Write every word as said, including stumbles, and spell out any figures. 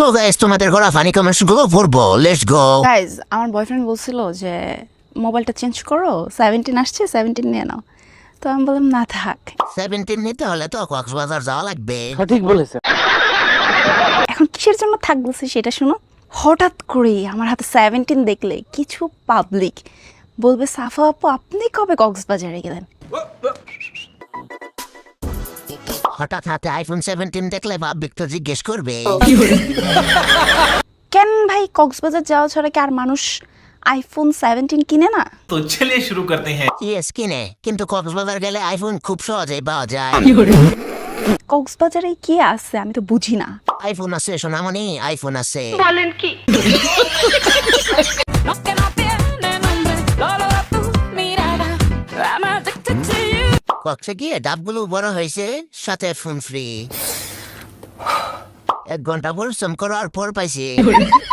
তো গাইস তোমাদের করা ফানি কমেন্টস গুলো পড়বো, লেটস গো। গাইজ আমার বয়ফ্রেন্ড বলছিল যে মোবাইলটা চেঞ্জ করো, সেভেন্টিন আসছে, সেভেন্টিন নিয়ে নাও। তো আমি বললাম না থাক। সেভেন্টিন নিতে হলে তো কক্সবাজার যাওয়া লাগবে। সঠিক বলেছে। এখন কিসের জন্য থাক বলছে সেটা শুনো। হঠাৎ করে আমার হাতে সেভেন্টিন দেখলে কিছু পাবলিক বলবে সাফা আপু আপনি কবে কক্সবাজারে গেলেন। হঠাৎ হাতে আইফোন সেভেন্টিন দেখলে ভাববিক তো জিজ্ঞেস করবে কেন ভাই কক্সবাজার যাওয়া ছাড়া কি আর মানুষ আইফোন সেভেন্টিন কিনে না? तो चलिए शुरू करते हैं। ইয়েস কিনে, কিন্তু কক্সবাজার গেলে আইফোন খুব সহজেই পাওয়া যায়। কক্সবাজারে কি আছে আমি তো বুঝি না। আইফোন আছে সোনামণি, আইফোন আছে। No que no tiene nombre, solo tu mirada. I'm addicted to you. কক্সে গিয়ে ডাবগুলো বড় হয়েছে, সাথে ফোন ফ্রি। এক ঘন্টা পরিশ্রম করার পর পাইছি